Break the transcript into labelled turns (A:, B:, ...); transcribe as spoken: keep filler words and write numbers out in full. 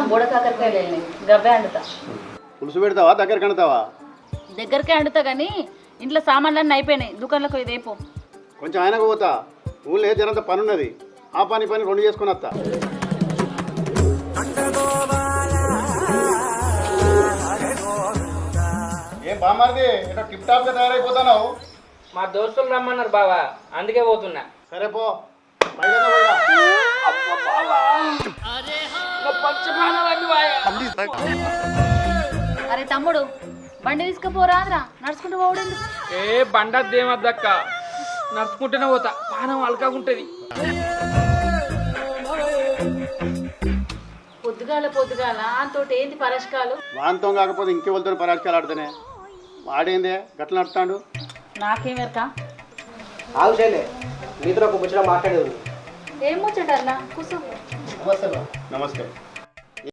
A: బోడ కాకరకాయలు గవ్వే అండుతా.
B: పులుసు పెడతావా దగ్గర కడతావా?
A: దగ్గరకే అండుతా కానీ ఇంట్లో సామాన్లన్నీ అయిపోయినాయి, దుకాణంలోకి ఇదేపో.
B: కొంచెం ఆయనకు పోతా, ఊళ్ళో జనంత పని ఉన్నది, ఆ పని పని రెండు చేసుకుని వస్తా. ఏం బామారిది ఇట్లా టిప్ టాప్ గా తయారైపోతున్నావు?
C: మా దోస్తులు రమ్మన్నారు బావా, అందుకే పోతున్నా.
B: సరే పో.
A: అరే తమ్ముడు, బండి తీసుకుపోరాదురా, నడుచుకుంటూ పోవడం.
C: ఏ బండద్దేమద్దక్క, నడుచుకుంటూనే పోతా, పానం అలకాగుంటది.
A: పొద్దుగాల పొద్దుగాల తోటి ఏంటి పరస్కాలు?
B: వాంతం కాకపోతే ఇంకెవరితో పరాజకాలు ఆడుతానే. వాడేందే గట్ల నడుతాడు?
A: నాకేమెరక.
D: ఆవులే మీతో ఒక ముచ్చట మాట్లాడేది.
A: ఏం ముచ్చటన్నా? కూర్చో.
B: నమస్తే.